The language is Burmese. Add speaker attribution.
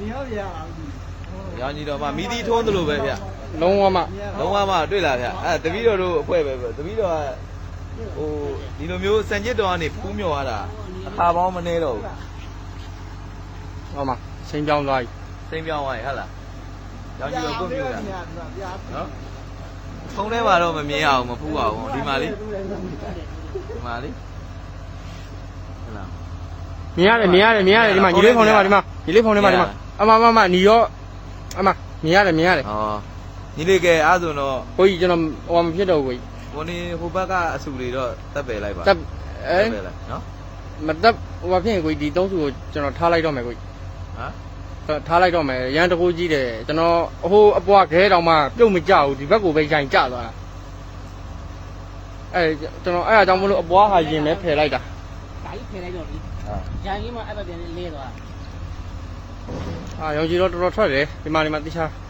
Speaker 1: ရောင်ကြီးတော့မှမိသီးထုံးသလိုပဲဗျ
Speaker 2: လုံးဝမှ
Speaker 1: လုံးဝမှတွေ့လာဗျတပီးတော်တို့အဖွဲပဲတပီးတော်ကဟိုဒီလိုမျိုးစံကျစ်တော်ကနေဖူးမြော်ရတာအခါပေါင်းမနေတော့ဘူး
Speaker 2: ဟောမှာစိန်ပြောင်းသွားပြီ
Speaker 1: စိမ့်ပြောင်းသွားရင်ဟုတ်လားရောင်ကြီးတော့ကိုမျိုးတာနော်ဖုံးထဲမှာတော့မမြင်အောင်မဖူးအောင်ဒီမှာလေးဟုတ်လား
Speaker 2: မြင်ရတယ်ဒီမှာညီလေးဖုန်းထဲမှာဒီမှာညီလေးဖုန်းထဲမှာဒီမှာအမညီရောအမမြင်ရတယ်
Speaker 1: ဩညီလေးကအားဆိုတော့
Speaker 2: ကိုကြီးကျွန်တော်ဟိုမဖြစ်တော့ဘူးကိုကြီး
Speaker 1: ကိုနေဟိုဘက်ကအဆူတွေတော့တက်ပယ်လိုက်ပါ
Speaker 2: တက်အဲ
Speaker 1: ပယ်လိုက်နော်
Speaker 2: မတက်ဟိုဖြစ်ရင်ကိုကြီးဒီ3စုကိုကျွန်တော်ထားလိုက်တော့မယ်ကိုကြီး
Speaker 1: ဟမ်
Speaker 2: ထားလိုက်တော့မယ်ရန်တကူကြီးတယ်ကျွန်တော်ဟိုအပွားခဲတောင်မှပြုတ်မကြဘူးဒီဘက်ကိုပဲရိုင်ကျသွားတာအဲကျွန်တော်အဲ့အကြောင်းမလို့အပွားဟာရင်လဲဖယ်လိုက်တာ
Speaker 3: ဒါကြီးဖယ်လိုက်တော့ဒီဂျန်ကြီးမှအဲ့ဘက်ပြန်လေးသွား
Speaker 2: အာရောင်ကြီးတော့တော်တော်ထွက်တယ်ဒီမှာတိချာ